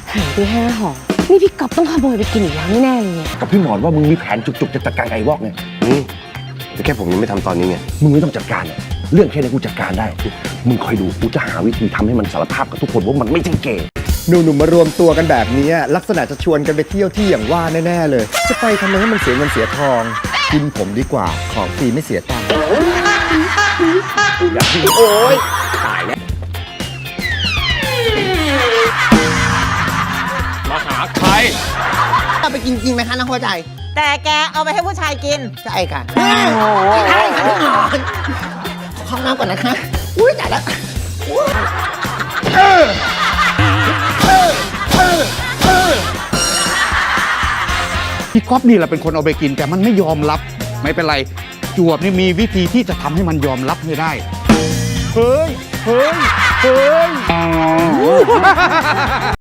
หายไป5 ห่อนี่พี่ก๊อฟต้องขโมยไปกินอีกแล้วแน่ๆเลยเนี่ยกับพี่หมอนว่ามึงมีแผนจุกๆจะจัดการไอ้วอกไงแต่แค่ผมยังไม่ทำตอนนี้ไงมึงไม่ต้องจัดการเนี่ยเรื่องแค่นี้กูจัดการได้ มึงคอยดูกูจะหาวิธีทำให้มันสารภาพกับทุกคนว่ามันไม่ใช่เกย์หนุ่มๆมารวมตัวกันแบบนี้ลักษณะจะชวนกันไปเที่ยวที่อย่างว่าแน่ๆเลย จะไปทำไมให้มันเสียเงินเสียทองกินผมดีกว่าของฟรีไม่เสียตังค์อย่าพี่โอ๊ยตายแล้วมาหาใครเอาไปกินจริงไหมคะน้องหัวใจแต่แกเอาไปให้ผู้ชายกินใช่ค่ะใช่ค่ะพี่หมอนขอเข้าน้ำก่อนนะคะ อุ้ยจ่ายแล้วพี่ก๊อฟนี่แหละเป็นคนเอาไปกินแต่มันไม่ยอมรับไม่เป็นไรจวบนี่มีวิธีที่จะทำให้มันยอมรับให้ได้เฮ้ย